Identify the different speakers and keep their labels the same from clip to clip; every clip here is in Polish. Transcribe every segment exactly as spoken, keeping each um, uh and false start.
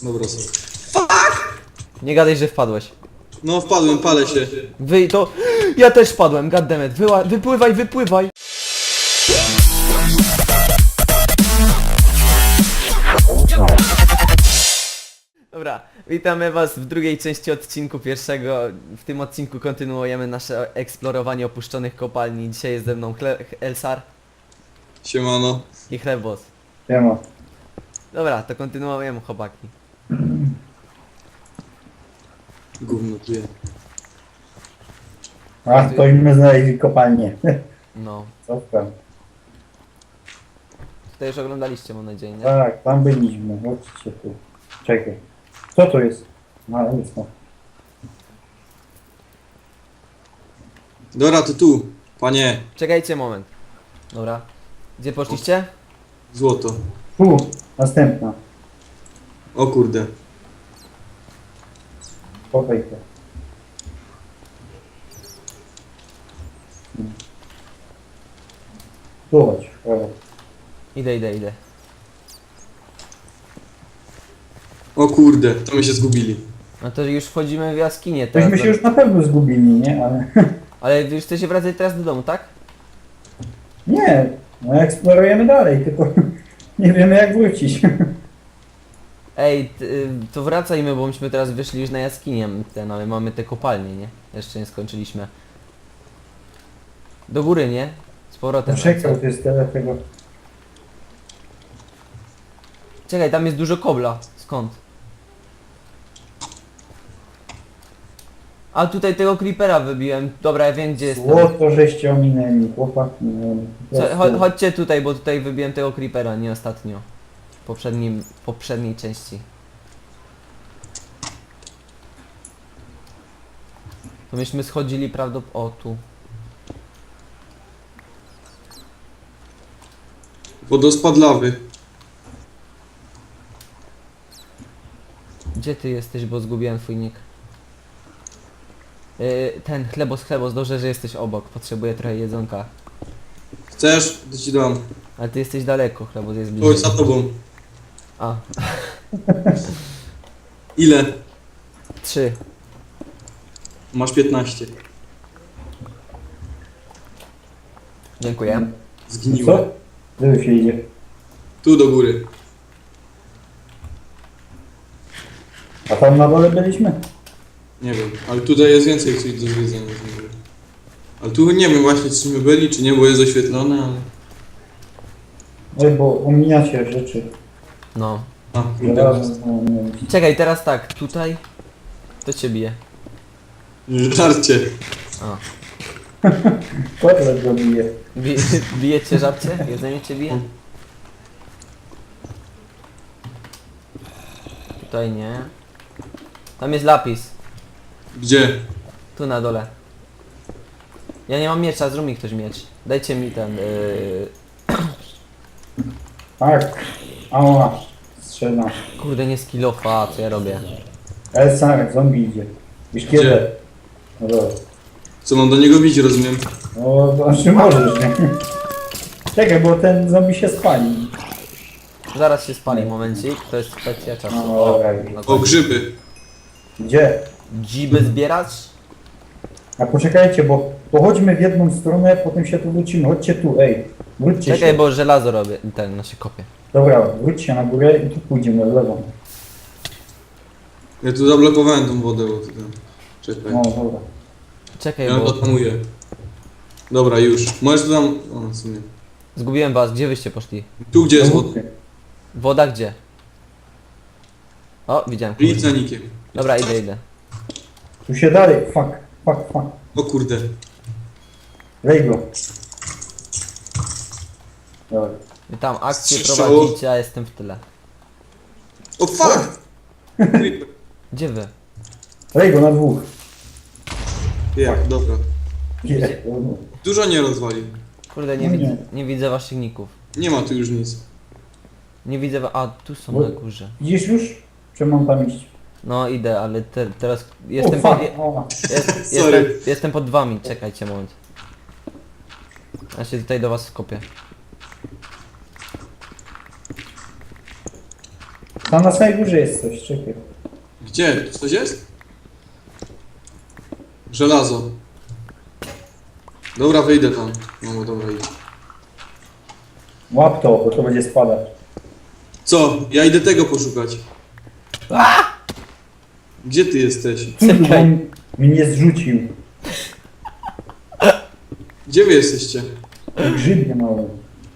Speaker 1: Dobra, co?
Speaker 2: Nie gadaj, że wpadłeś.
Speaker 1: No wpadłem, palę się.
Speaker 2: Wy to... Ja też wpadłem, goddammit. Wyła... Wypływaj, wypływaj. Dobra, witamy was w drugiej części odcinku pierwszego. W tym odcinku kontynuujemy nasze eksplorowanie opuszczonych kopalni. Dzisiaj jest ze mną Cle Elsar
Speaker 1: Siemano.
Speaker 2: i Chlebos.
Speaker 3: Siema.
Speaker 2: Dobra, to kontynuujemy, chłopaki.
Speaker 1: Gówno tu je.
Speaker 3: A, to my znaleźli kopalnię.
Speaker 2: No.
Speaker 3: Co tam?
Speaker 2: Tutaj już oglądaliście, mam nadzieję, nie?
Speaker 3: Tak, tam byliśmy. Chodźcie tu. Czekaj. Co tu jest? No, nic no.
Speaker 1: Dobra, to tu. Panie.
Speaker 2: Czekajcie moment. Dobra. Gdzie poszliście?
Speaker 1: Złoto.
Speaker 3: Tu, następna.
Speaker 1: O kurde.
Speaker 3: Chowaj to. Tu chodź, w prawo.
Speaker 2: Idę, idę, idę.
Speaker 1: O kurde, to my się zgubili.
Speaker 2: No to już wchodzimy w jaskinię teraz.
Speaker 3: Tośmy się już na pewno zgubili, nie? Ale...
Speaker 2: Ale wy już chcecie wracać teraz do domu, tak?
Speaker 3: Nie, no eksplorujemy dalej, tylko nie wiemy jak wrócić.
Speaker 2: Ej, t- y, to wracajmy, bo myśmy teraz wyszli już na jaskinię ten, ale mamy te kopalnie, nie? Jeszcze nie skończyliśmy. Do góry, nie? Z powrotem.
Speaker 3: Czekał, to jest tyle tego.
Speaker 2: Czekaj, tam jest dużo kobla. Skąd? A tutaj tego creepera wybiłem. Dobra, ja wiem gdzie jest.
Speaker 3: Złoto żeście ominęli, chłopaki. No, po
Speaker 2: Co,
Speaker 3: prostu.
Speaker 2: cho- chodźcie tutaj, bo tutaj wybiłem tego creepera, nie ostatnio. W poprzednim, poprzedniej części. To myśmy schodzili prawdopodobnie... O, tu.
Speaker 1: Wodospad lawy.
Speaker 2: Gdzie ty jesteś, bo zgubiłem twój nick. Yy, ten, chlebos, chlebos, dobrze, że jesteś obok. Potrzebuję trochę jedzonka.
Speaker 1: Chcesz? To ci dam.
Speaker 2: Ale ty jesteś daleko, chlebos jest
Speaker 1: Chodź
Speaker 2: bliżej.
Speaker 1: za tobą.
Speaker 2: A,
Speaker 1: Ile?
Speaker 2: trzy.
Speaker 1: Masz piętnaście.
Speaker 2: Dziękuję.
Speaker 1: Zgniło.
Speaker 3: Co? Gdzie się idzie?
Speaker 1: Tu do góry.
Speaker 3: A tam na dole byliśmy?
Speaker 1: Nie wiem, ale tutaj jest więcej coś do zwiedzenia. z góry. Ale tu nie wiem właśnie czy my byli, czy nie, bo jest oświetlone, ale...
Speaker 3: Oj, bo omijacie rzeczy.
Speaker 2: No.
Speaker 1: A, kurde.
Speaker 3: Zaraz, no, nie wiem.
Speaker 2: Czekaj, teraz tak, tutaj... To cię bije.
Speaker 1: Żarcie.
Speaker 2: A.
Speaker 3: Kotlet go bije.
Speaker 2: Bije, bije cię żabcie? Jedzenie cię bije? Tutaj nie. Tam jest lapis.
Speaker 1: Gdzie?
Speaker 2: Tu na dole. Ja nie mam miecza, zrób mi ktoś miecz. Dajcie mi ten... Yy...
Speaker 3: Tak. Ała. Strzela.
Speaker 2: Kurde, nie skillofa, co ja robię?
Speaker 3: Ale sam, zombie idzie. Już kiedy? No dobra.
Speaker 1: Co mam do niego bić, rozumiem?
Speaker 3: No, to znaczy możesz, nie? Czekaj, bo ten zombie się spali.
Speaker 2: Zaraz się spali, momencik, to jest kwestia czasu.
Speaker 3: No, dobra, już.
Speaker 2: no
Speaker 1: O,
Speaker 2: tak.
Speaker 1: grzyby.
Speaker 3: Gdzie?
Speaker 2: Dziby zbierać?
Speaker 3: A poczekajcie, bo pochodźmy w jedną stronę, potem się tu wrócimy. Chodźcie tu, ej. Wróćcie
Speaker 2: Czekaj,
Speaker 3: się.
Speaker 2: bo żelazo robię, ten, no się kopię.
Speaker 3: Dobra, wróćcie na górę i tu pójdziemy w lewą.
Speaker 1: Ja tu zablokowałem tą wodę, bo to tam... Czekaj.
Speaker 3: No, dobra.
Speaker 2: Czekaj,
Speaker 1: Ja
Speaker 2: bo
Speaker 1: to tamuję. Dobra, już. Możesz tu tam... O, w sumie.
Speaker 2: zgubiłem was, gdzie wyście poszli?
Speaker 1: Tu gdzie jest
Speaker 3: No,
Speaker 1: woda?
Speaker 2: Woda gdzie? O, widziałem.
Speaker 1: Idź
Speaker 2: kurde.
Speaker 1: za nikiem.
Speaker 2: Dobra, idę, idę.
Speaker 3: Tu się dalej, fuck, fuck, fuck.
Speaker 1: O kurde.
Speaker 3: Lej go. Dobra.
Speaker 2: Wy tam akcję
Speaker 1: Strzało.
Speaker 2: prowadzicie, a jestem w tyle.
Speaker 1: O fuck!
Speaker 2: Gdzie wy?
Speaker 3: Lej go na dwóch.
Speaker 1: Jak, dobra.
Speaker 3: Nie.
Speaker 1: Dużo nie rozwalił.
Speaker 2: Kurde, nie,
Speaker 3: No nie.
Speaker 2: widzę, nie widzę waszych ników.
Speaker 1: Nie ma tu już nic.
Speaker 2: Nie widzę wa- A, tu są
Speaker 3: Bo-
Speaker 2: na górze.
Speaker 3: Widzisz już? Czy mam tam iść?
Speaker 2: No idę, ale te, teraz jestem
Speaker 3: o,
Speaker 2: pod,
Speaker 3: fuck.
Speaker 2: je,
Speaker 3: O.
Speaker 2: jest,
Speaker 1: Sorry.
Speaker 2: jestem, jestem pod wami, czekajcie moment. Ja się tutaj do was skopię.
Speaker 3: Tam na samej górze jest coś, czekaj.
Speaker 1: Gdzie? Coś jest? Żelazo. Dobra, wyjdę tam. No dobra, idź.
Speaker 3: Łap to, bo to będzie spadać.
Speaker 1: Co? Ja idę tego poszukać. Gdzie ty jesteś?
Speaker 3: Kurde, on mnie zrzucił.
Speaker 1: Gdzie wy jesteście?
Speaker 3: Grzybnie mały.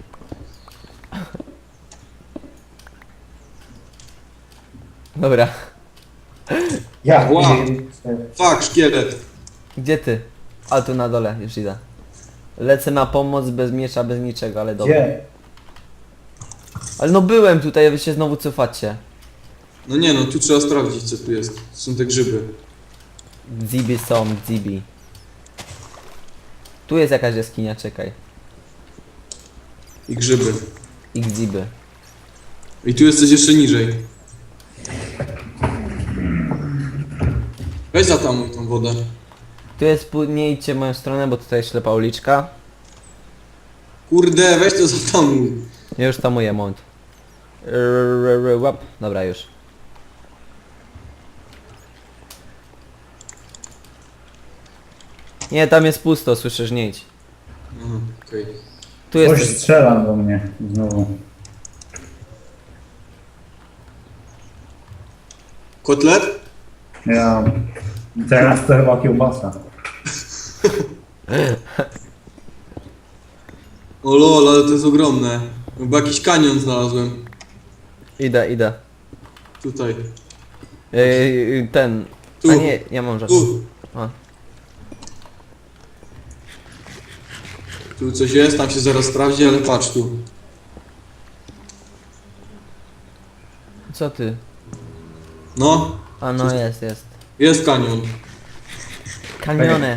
Speaker 2: Dobra.
Speaker 3: Ja,
Speaker 1: Ła.
Speaker 3: grzybnie.
Speaker 1: Fuck, szkielet.
Speaker 2: Gdzie ty? A tu na dole, już idę. Lecę na pomoc bez miecza, bez niczego, ale dobra.
Speaker 3: Gdzie?
Speaker 2: Ale no byłem tutaj, a wy się znowu cofacie.
Speaker 1: No nie no, tu trzeba sprawdzić co tu jest. Są te grzyby.
Speaker 2: Zibi są, zibi. Tu jest jakaś jaskinia, czekaj.
Speaker 1: I grzyby.
Speaker 2: I gziby.
Speaker 1: I tu jesteś jeszcze niżej. Weź zatamuj tą wodę.
Speaker 2: Tu jest, pu- nie idźcie w moją stronę, bo tutaj ślepa uliczka.
Speaker 1: Kurde, weź to zatamuj.
Speaker 2: Ja już tamuję, moment. Rrrr, Łap. Dobra, już. Nie, tam jest pusto, słyszysz, nie idź.
Speaker 1: Aha, okej.
Speaker 2: Tu
Speaker 3: Ktoś
Speaker 2: jest...
Speaker 3: strzela do mnie znowu.
Speaker 1: Kotlet?
Speaker 3: Ja... Teraz to chyba kiełbasa.
Speaker 1: O lol, ale to jest ogromne. Chyba jakiś kanion znalazłem.
Speaker 2: Idę, idę.
Speaker 1: Tutaj.
Speaker 2: Yy, ten...
Speaker 1: Tu.
Speaker 2: A nie, ja mam rzecz.
Speaker 1: Tu.
Speaker 2: A.
Speaker 1: Tu coś jest, tam się zaraz sprawdzi, ale patrz tu.
Speaker 2: Co ty?
Speaker 1: No,
Speaker 2: A no jest, jest.
Speaker 1: jest kanion.
Speaker 2: Kanione.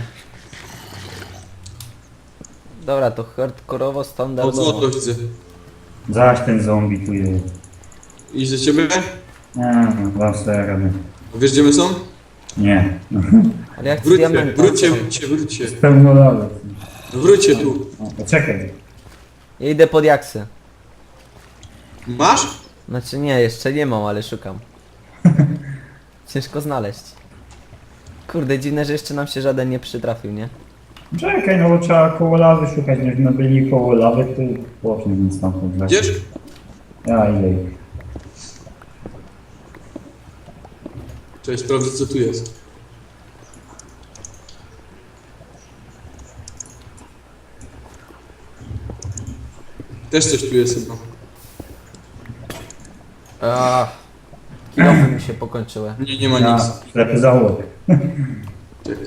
Speaker 2: Dobra, to hardkorowo,
Speaker 1: O
Speaker 2: standardowo.
Speaker 1: złoto widzę.
Speaker 3: Zaś ten zombie tu jest.
Speaker 1: Idź do ciebie?
Speaker 3: Nie, no, dam sobie radę.
Speaker 1: Wiesz gdzie my są?
Speaker 3: Nie.
Speaker 2: Ale jak
Speaker 1: Wróćcie,
Speaker 2: diament...
Speaker 1: wróćcie, wróćcie, wróćcie.
Speaker 3: Pełnolaty.
Speaker 1: Wróćcie tu.
Speaker 3: O, poczekaj.
Speaker 2: Ja idę pod jaksy.
Speaker 1: Masz?
Speaker 2: Znaczy nie, jeszcze nie mam, ale szukam. Ciężko znaleźć. Kurde, dziwne, że jeszcze nam się żaden nie przytrafił, nie?
Speaker 3: Czekaj, no bo trzeba koło lawy szukać, nie byli koło lawy, to poszli więc tam pod
Speaker 1: Idziesz?
Speaker 3: Ja idę.
Speaker 1: Cześć, sprawdzę co tu jest. Też coś tu jest chyba.
Speaker 2: Ach, kilofy mi się pokończyły.
Speaker 1: Nie, nie ma
Speaker 3: Ja,
Speaker 1: nic.
Speaker 3: ślepy zaułek.
Speaker 1: Czekaj.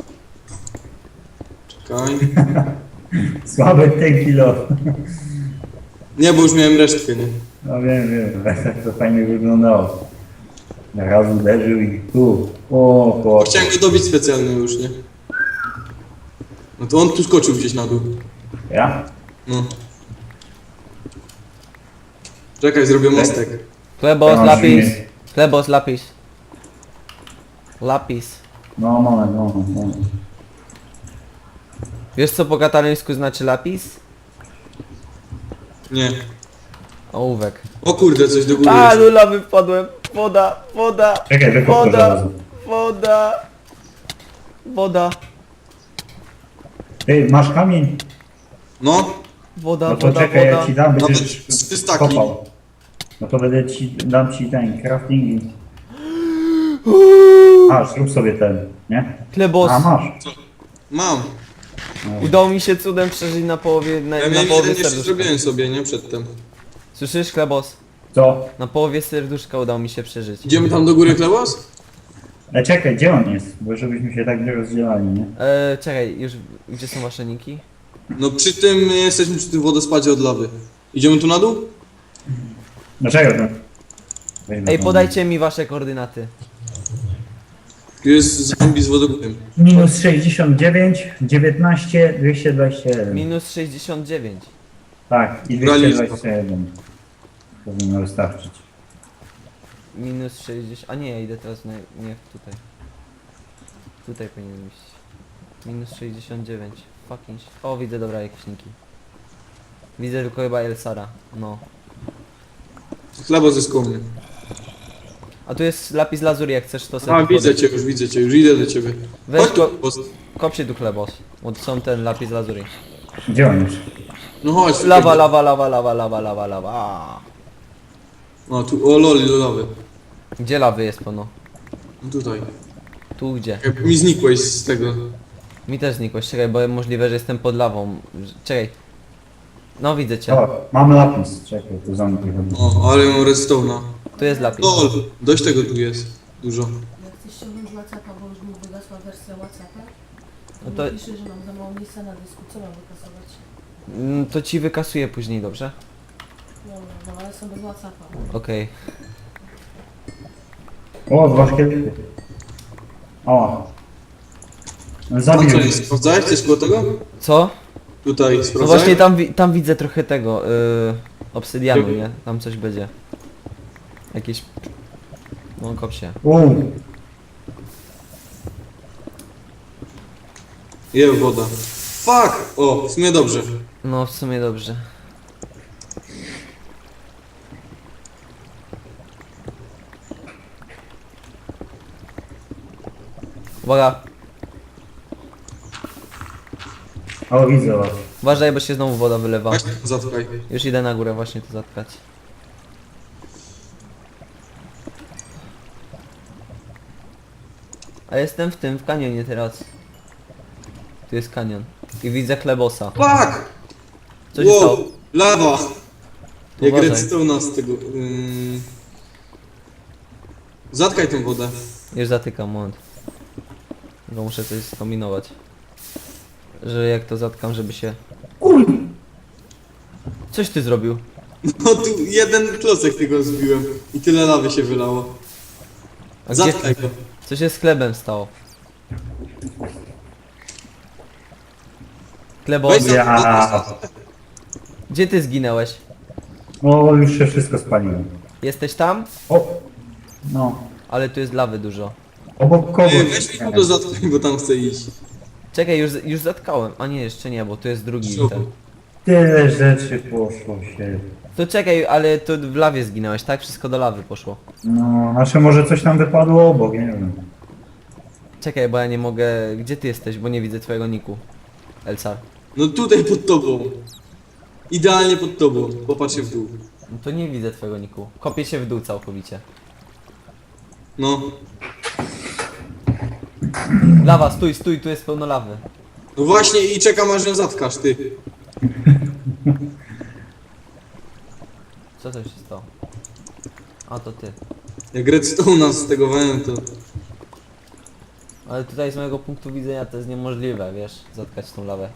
Speaker 1: Czekaj.
Speaker 3: Słaby ten kilo.
Speaker 1: Nie, bo już miałem resztkę, nie?
Speaker 3: No wiem, wiem, tak to fajnie wyglądało. Raz uderzył i tu. O,
Speaker 1: Bo
Speaker 3: po.
Speaker 1: chciałem go dobić specjalnie już, nie? No to on tu skoczył gdzieś na dół.
Speaker 3: Ja?
Speaker 1: No. Czekaj, zrobię mostek.
Speaker 2: Chlebos,
Speaker 3: Ja mam
Speaker 2: lapis.
Speaker 3: silnik.
Speaker 2: Chlebos, lapis. Lapis.
Speaker 3: No moment, moment, moment.
Speaker 2: Wiesz co po katalońsku znaczy lapis?
Speaker 1: Nie.
Speaker 2: Ołówek.
Speaker 1: O kurde, coś do góry
Speaker 2: A,
Speaker 1: jest.
Speaker 2: lula wypadłem. Woda, woda.
Speaker 3: Czekaj, wykop to
Speaker 2: Woda,
Speaker 3: żelazo.
Speaker 2: woda. Woda,
Speaker 3: Ty, masz kamień?
Speaker 1: No,
Speaker 2: woda,
Speaker 3: No to
Speaker 2: woda,
Speaker 3: czekaj,
Speaker 2: woda.
Speaker 3: ja ci dam,
Speaker 1: nawet
Speaker 3: będziesz
Speaker 1: trzy staki.
Speaker 3: kopał. No to będę ci, dam ci ten crafting. A, zrób sobie ten, nie?
Speaker 2: Chlebos.
Speaker 3: A, masz.
Speaker 1: Mam.
Speaker 2: Udało mi się cudem przeżyć na połowie, na,
Speaker 1: Ja
Speaker 2: na
Speaker 1: miałem
Speaker 2: połowie
Speaker 1: jeden jeszcze
Speaker 2: serduszka.
Speaker 1: zrobiłem sobie, nie? Przedtem.
Speaker 2: Słyszysz, Chlebos?
Speaker 3: Co?
Speaker 2: Na połowie serduszka udało mi się przeżyć.
Speaker 1: Idziemy tam do góry, Klebos?
Speaker 3: Ale czekaj, gdzie on jest? Bo żebyśmy się tak nie rozdzielali, nie?
Speaker 2: E, czekaj, już, gdzie są wasze niki?
Speaker 1: No przy tym, jesteśmy przy tym wodospadzie od lawy. Idziemy tu na dół?
Speaker 3: Dlaczego to? Weźmy
Speaker 2: Ej,
Speaker 3: tą-
Speaker 2: podajcie mi wasze koordynaty.
Speaker 1: Tu jest zombie z wodogórem.
Speaker 3: Minus sześćdziesiąt dziewięć, dziewiętnaście, dwieście dwadzieścia jeden.
Speaker 2: Minus sześćdziesiąt dziewięć.
Speaker 3: Tak, i dwieście dwadzieścia jeden. Powinno wystarczyć.
Speaker 2: Minus sześćdziesiąt... A nie, ja idę teraz na... nie tutaj. Tutaj powinien iść. Minus sześćdziesiąt dziewięć. Fucking... sh- O, widzę, dobra, jakieś niki. Widzę tylko chyba Elsara. No.
Speaker 1: Klebos jest koło mnie.
Speaker 2: A tu jest lapis lazuli, jak chcesz to sobie
Speaker 1: A,
Speaker 2: tu
Speaker 1: widzę
Speaker 2: podejść.
Speaker 1: cię już, widzę cię już, idę do ciebie.
Speaker 2: Weź
Speaker 1: Chodź
Speaker 2: go,
Speaker 1: tu, post-
Speaker 2: kop się tu chlebos. Bo to są ten lapis lazuli.
Speaker 3: Gdzie on jest?
Speaker 1: No chodź.
Speaker 2: Lawa,
Speaker 1: tutaj.
Speaker 2: lawa, lawa, lawa, lawa, lawa, lawa.
Speaker 1: O, tu, o loli, lolawy.
Speaker 2: Gdzie lawy jest pono?
Speaker 1: No tutaj.
Speaker 2: Tu gdzie?
Speaker 1: Jak mi znikłeś z tego.
Speaker 2: Mi też znikłeś, czekaj, bo możliwe, że jestem pod lawą. Czekaj. No widzę cię.
Speaker 3: O, mamy lapis. Czekaj, tu zamknij chyba.
Speaker 1: O, ale mam redstone'a.
Speaker 2: Tu jest lapis.
Speaker 1: Lol, dość tego tu jest. Dużo.
Speaker 4: Jak chcesz ściągnąć WhatsAppa, bo już mi wygasła wersja WhatsAppa,
Speaker 2: No
Speaker 4: to
Speaker 2: to,
Speaker 4: pisze, że mam za mało miejsca na dysku. Co mam wykasować?
Speaker 2: mm, to ci wykasuję później, dobrze?
Speaker 4: Dobra, no ale są bez WhatsAppa.
Speaker 2: Okej.
Speaker 3: O, dwa szkielety. O.
Speaker 1: A co,
Speaker 3: Zabił.
Speaker 1: nie sprawdzałeś coś koło tego?
Speaker 2: Co?
Speaker 1: Tutaj,
Speaker 2: No
Speaker 1: sprawdzałeś?
Speaker 2: właśnie tam, wi- tam widzę trochę tego, yy, obsydianu, nie? Tam coś będzie. Jakieś... No kop się.
Speaker 3: Uuu.
Speaker 1: Je, woda. Fuck! O, w sumie dobrze.
Speaker 2: No w sumie dobrze. Uwaga,
Speaker 3: O, widzę was.
Speaker 2: uważaj, bo się znowu woda wylewa.
Speaker 1: Właśnie, zatkaj.
Speaker 2: Już idę na górę właśnie to zatkać. A jestem w tym, w kanionie teraz. Tu jest kanion. I widzę chlebosa.
Speaker 1: Fuck!
Speaker 2: Co się
Speaker 1: wow,
Speaker 2: stało?
Speaker 1: lawa! Jak
Speaker 2: Uważaj.
Speaker 1: redstone'a z tego... Ym... Zatkaj tą wodę.
Speaker 2: Już zatykam, moment. Bo muszę coś skombinować. Że jak to zatkam, żeby się... Coś ty zrobił?
Speaker 1: No tu jeden klocek tego zbiłem i tyle lawy się wylało.
Speaker 2: A gdzie...
Speaker 1: Zatkaj go.
Speaker 2: Co się z chlebem stało? Chlebo,
Speaker 1: Weź za-
Speaker 3: Ja.
Speaker 2: gdzie ty zginęłeś?
Speaker 3: O, już się wszystko spaliło.
Speaker 2: Jesteś tam?
Speaker 3: O. No.
Speaker 2: Ale tu jest lawy dużo.
Speaker 3: Obok kogo?
Speaker 1: Ej, weź mi tu zatkaj, bo tam chcę iść.
Speaker 2: Czekaj, już, już zatkałem. A nie, jeszcze nie, bo tu jest drugi
Speaker 1: Super.
Speaker 2: ten.
Speaker 3: Tyle rzeczy poszło się.
Speaker 2: To czekaj, ale to w lawie zginąłeś, tak? Wszystko do lawy poszło.
Speaker 3: No, znaczy może coś tam wypadło obok, nie wiem.
Speaker 2: Czekaj, bo ja nie mogę... Gdzie ty jesteś? Bo nie widzę twojego niku. Elcar.
Speaker 1: No tutaj pod tobą. Idealnie pod tobą. Popatrz się w dół.
Speaker 2: No to nie widzę twojego niku. Kopię się w dół całkowicie.
Speaker 1: No.
Speaker 2: Lawa, stój, stój, tu jest pełno lawy.
Speaker 1: No właśnie i czekam aż ją zatkasz, ty.
Speaker 2: Co to się stało? A, to ty.
Speaker 1: Jak redstone'a stegowałem to...
Speaker 2: Ale tutaj z mojego punktu widzenia to jest niemożliwe, wiesz, zatkać tą lawę.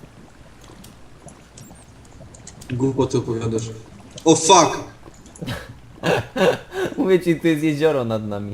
Speaker 1: Głupoty opowiadasz. O fuck!
Speaker 2: Mówię ci, tu jest jezioro nad nami.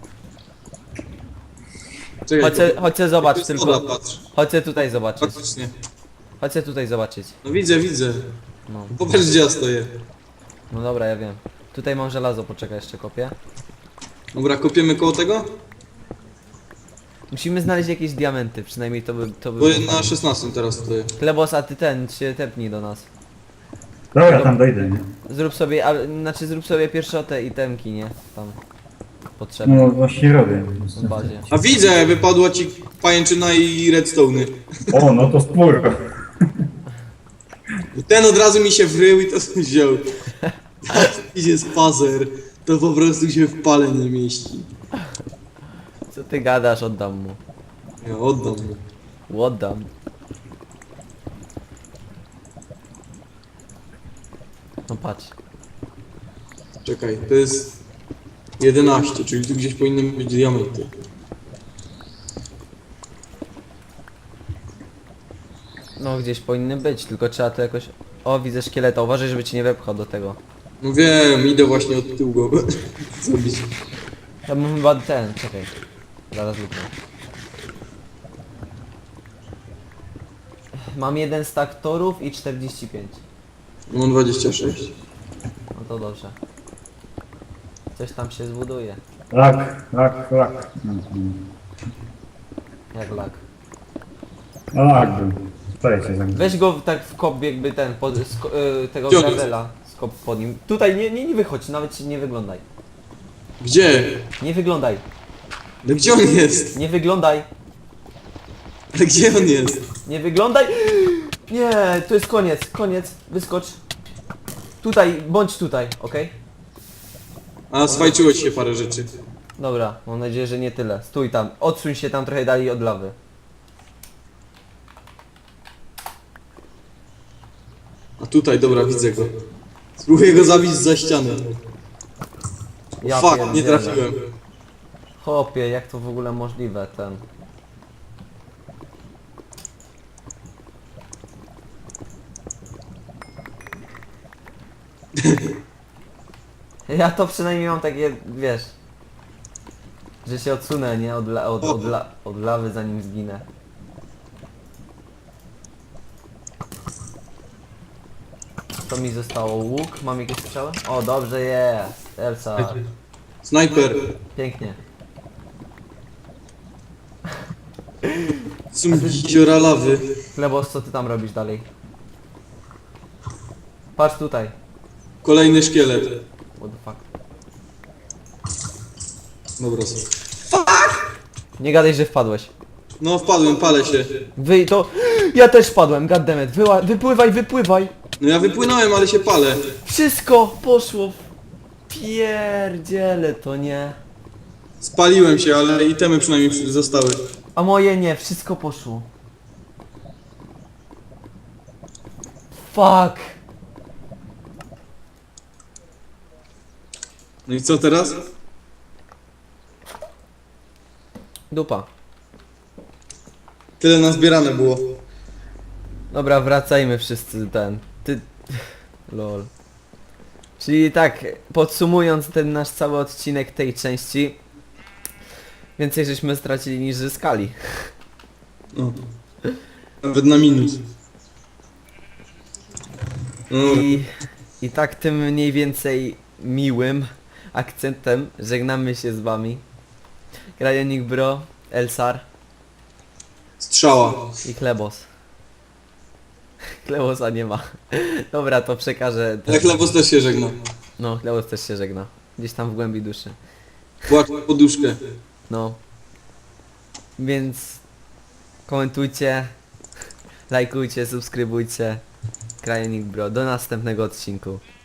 Speaker 1: Czekaj,
Speaker 2: Chodź, se- chodź se zobacz
Speaker 1: to jest
Speaker 2: tylko.
Speaker 1: woda, patrz.
Speaker 2: Chodź se tutaj zobaczyć.
Speaker 1: Faktycznie.
Speaker 2: Chodź se tutaj zobaczyć.
Speaker 1: No widzę, widzę.
Speaker 2: No.
Speaker 1: Popatrz gdzie ja stoję.
Speaker 2: No dobra, ja wiem. Tutaj mam żelazo, poczekaj, jeszcze kopię.
Speaker 1: Dobra, kopiemy koło tego?
Speaker 2: Musimy znaleźć jakieś diamenty, przynajmniej to by... To by
Speaker 1: Bo
Speaker 2: było
Speaker 1: na
Speaker 2: fajne.
Speaker 1: szesnastym teraz stoję.
Speaker 2: Klebos, a ty ten, się tepnij do nas.
Speaker 3: Dobra, tam dojdę, nie?
Speaker 2: Zrób sobie, ale, znaczy zrób sobie pierwsze te itemki, nie? Tam. Potrzebne
Speaker 3: No właśnie robię.
Speaker 2: w bazie.
Speaker 1: A widzę, wypadła ci pajęczyna i redstone'y.
Speaker 3: O, no to spór.
Speaker 1: Ten od razu mi się wrył i to wziął. Idzie spacer. To po prostu się w pale nie mieści.
Speaker 2: Co ty gadasz, oddam mu.
Speaker 1: Ja oddam mu.
Speaker 2: Oddam. No patrz.
Speaker 1: Czekaj, to jest jedenaście, czyli tu gdzieś powinny być diamenty.
Speaker 2: No gdzieś powinny być, tylko trzeba to jakoś... O, widzę szkieleta, uważaj, żeby cię nie wepchał do tego.
Speaker 1: No wiem, idę właśnie od tyłu go zrobić.
Speaker 2: Ja bym chyba ten, czekaj. Zaraz lupnę. Mam jeden stack torów i czterdzieści pięć.
Speaker 1: Mam dwadzieścia sześć.
Speaker 2: No to dobrze. Coś tam się zbuduje.
Speaker 3: Lak, lak, lak. Mhm.
Speaker 2: Jak lak.
Speaker 3: No lak był. Wczoraj się zagrał.
Speaker 2: Weź go tak w kop jakby ten, pod, sko, y, tego
Speaker 1: Gdzie on jest?
Speaker 2: gravela. Skop pod nim. Tutaj nie, nie, nie wychodź, nawet się nie wyglądaj.
Speaker 1: Gdzie?
Speaker 2: Nie wyglądaj.
Speaker 1: No gdzie on jest?
Speaker 2: Nie wyglądaj.
Speaker 1: Ale gdzie on jest?
Speaker 2: Nie wyglądaj. Nie, to jest koniec. Koniec. Wyskocz. Tutaj, bądź tutaj, okej?
Speaker 1: A, swajczyło ci się parę rzeczy.
Speaker 2: Dobra, mam nadzieję, że nie tyle. Stój tam. Odsuń się tam trochę dalej od lawy.
Speaker 1: A tutaj, dobra, widzę go. Spróbuję go zabić za ścianę.
Speaker 2: Ja
Speaker 1: Fuck, nie
Speaker 2: pierdzielę.
Speaker 1: trafiłem.
Speaker 2: Chłopie, jak to w ogóle możliwe, ten... Ja to przynajmniej mam takie, wiesz... Że się odsunę, nie? Od, la, od, od, la, od lawy zanim zginę. Co mi zostało? Łuk? Mam jakieś strzały? O, dobrze jest! Elsa.
Speaker 1: Snajper.
Speaker 2: Pięknie.
Speaker 1: Są jeziora lawy.
Speaker 2: Chlebos, co ty tam robisz dalej? Patrz tutaj.
Speaker 1: Kolejny szkielet.
Speaker 2: What the fuck.
Speaker 1: Dobra, są.
Speaker 2: Nie gadaj, że wpadłeś.
Speaker 1: No wpadłem, palę się.
Speaker 2: Wy to... Ja też wpadłem, goddammit. Wyła... Wypływaj, wypływaj.
Speaker 1: No ja wypłynąłem, ale się palę.
Speaker 2: Wszystko poszło w... Pierdziele to nie.
Speaker 1: Spaliłem się, ale itemy przynajmniej zostały.
Speaker 2: A moje nie, wszystko poszło. Fuck.
Speaker 1: No i co teraz?
Speaker 2: Dupa.
Speaker 1: Tyle nazbierane było.
Speaker 2: Dobra, wracajmy wszyscy ten. Ty... Lol. Czyli tak, podsumując ten nasz cały odcinek tej części, więcej żeśmy stracili niż zyskali.
Speaker 1: No. Nawet na minus. No.
Speaker 2: I, I tak tym mniej więcej miłym akcentem żegnamy się z wami. Krajonik Bro, Elsar
Speaker 1: Strzała.
Speaker 2: i Klebos. Klebosa nie ma. Dobra, to przekażę.
Speaker 1: Ale chlebos też się żegna.
Speaker 2: No, Klebos też się żegna. Gdzieś tam w głębi duszy.
Speaker 1: Płacz poduszkę.
Speaker 2: No. Więc komentujcie, lajkujcie, subskrybujcie. Krajonik Bro. Do następnego odcinku.